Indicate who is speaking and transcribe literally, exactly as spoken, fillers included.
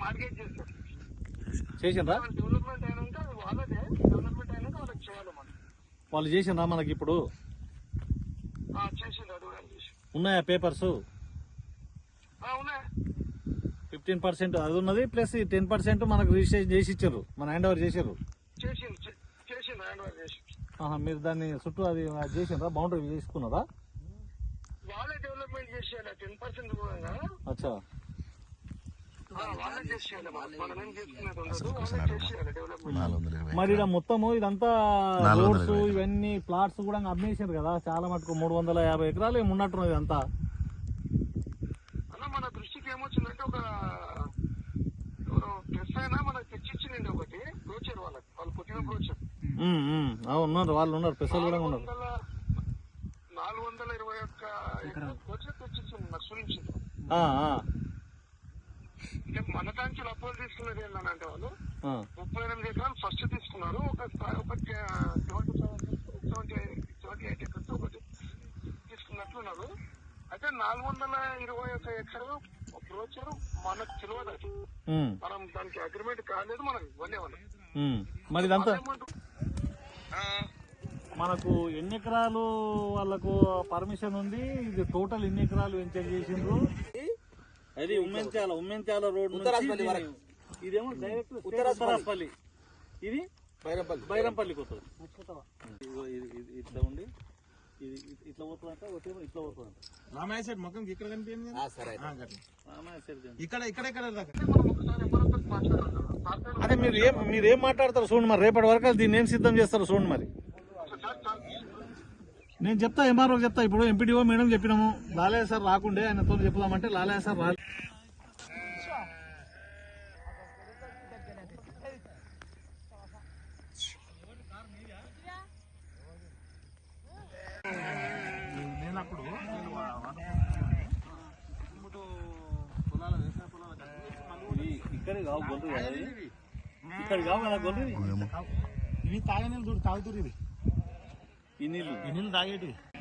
Speaker 1: Market చేస్తారు.
Speaker 2: చేసిండ్రా?
Speaker 1: Development అయినాక అది వాళ్ళదే. డెవలప్మెంట్ అయినాక వాళ్ళకి చేయాలి మనం.
Speaker 2: వాళ్ళు చేసిండ్రా మనకి ఇప్పుడు?
Speaker 1: చేసిండ్రు. అది కూడా చేసి
Speaker 2: ఉన్నాయా పేపర్స్?
Speaker 1: ఉన్నాయి.
Speaker 2: ఫిఫ్టీన్ పర్సెంట్ అది ఉన్నది, ప్లస్ టెన్ పర్సెంట్ మనకు రిజిస్ట్రేషన్ చేసి ఇచ్చారు, మన హ్యాండ్ ఓవర్ చేసారు.
Speaker 1: చేసిండు చేసిండు హ్యాండ్ ఓవర్ చేసి.
Speaker 2: మీరు దాన్ని చుట్టూ అది చేసిండ్రా? బౌండరీ చేసుకున్నారా?
Speaker 1: వాళ్ళే డెవలప్మెంట్ చేసేయాలి. టెన్ పర్సెంట్ కూడా
Speaker 2: అచ్చా,
Speaker 1: వాళ్ళే చేసేయాలి. మనం ఏం చేసుకునేది ఉండదు. వాళ్ళే చేసేయాలి డెవలప్మెంట్.
Speaker 2: మరి ఇలా మొత్తము ఇదంతా రోడ్స్ ఇవన్నీ ప్లాట్స్ కూడా అమ్మేసారు కదా చాలా మటుకు. మూడు వందల యాభై ఎకరాలు ఏమి ఉన్నట్టున్నది ఇదంతా.
Speaker 1: అన్న మన దృష్టికి ఏమొచ్చిందంటే ఒక ప్రెస్ అయినా మనకు తెచ్చిచ్చిందండి ఒకటి బ్రోచర్. వాళ్ళకి వాళ్ళు పుట్టిన బ్రోచర్
Speaker 2: ఉన్నారు, వాళ్ళు ఉన్నారు, పెసలు కూడా ఉన్నారు.
Speaker 1: నాలుగు వందల ఇరవై ఒక్క బ్రోచర్ తెచ్చిచ్చింది నాకు చూపించింది. అంటే మన దానికి అప్రోల్ తీసుకున్నది ఏంటంటే వాళ్ళు ముప్పై ఎనిమిది ఎకరాలు ఫస్ట్ తీసుకున్నారు. ఒక ఒక seventy seventy seventy eight acres ఒకటి తీసుకున్నట్లున్నారు. అయితే నాలుగు వందల ఇరవై ఒక ఎకరం బ్రోచర్ మనకు తెలియదు. అది మనం దానికి అగ్రిమెంట్ కాలేదు, మనకు ఇవ్వలే వాళ్ళు.
Speaker 2: మరి ఇదంతా మనకు ఎన్ని ఎకరాలు వాళ్ళకు పర్మిషన్ ఉంది? ఇది టోటల్ ఎన్ని ఎకరాలు వెంచర్ చేసిండ్రు? అది ఉమ్మెంచాల ఉమ్మెంచాల రోడ్ ఇదేమో డైరెక్ట్ ఉత్తరాపల్లి, ఇది బైరంపల్లి బైరంపల్లికి వస్తుంది. ఇట్లా ఉండి ఇది ఇట్లా పోతుందంట, ఇట్లా పోతుందంట.
Speaker 3: రామాయ సైడ్ మొక్కం ఇక్కడ కనిపించింది. ఇక్కడ ఇక్కడ ఇక్కడ
Speaker 2: అదే మీరు ఏం మీరు ఏం మాట్లాడతారు చూడండి. మరి రేపటి వరకు దీన్ని ఏం సిద్ధం చేస్తారు చూడండి. మరి నేను చెప్తా, ఎంఆర్ఓ చెప్తా. ఇప్పుడు ఎంపీడీఓ మేడం చెప్పినాము, లాలయ్య సార్ రాకుండే ఆయనతో చెప్దామంటే లాలయ్య సార్ రా.
Speaker 3: నేనప్పుడు
Speaker 2: ఇక్కడ కావు గొంతు, ఇక్కడ కావు కదా గొంతు.
Speaker 3: ఇవి తాగే నీళ్ళు చూడు, తాగుతురు. ఇవి
Speaker 2: ఈ నీళ్ళు
Speaker 3: ఈ నీళ్ళు తాగేటివి.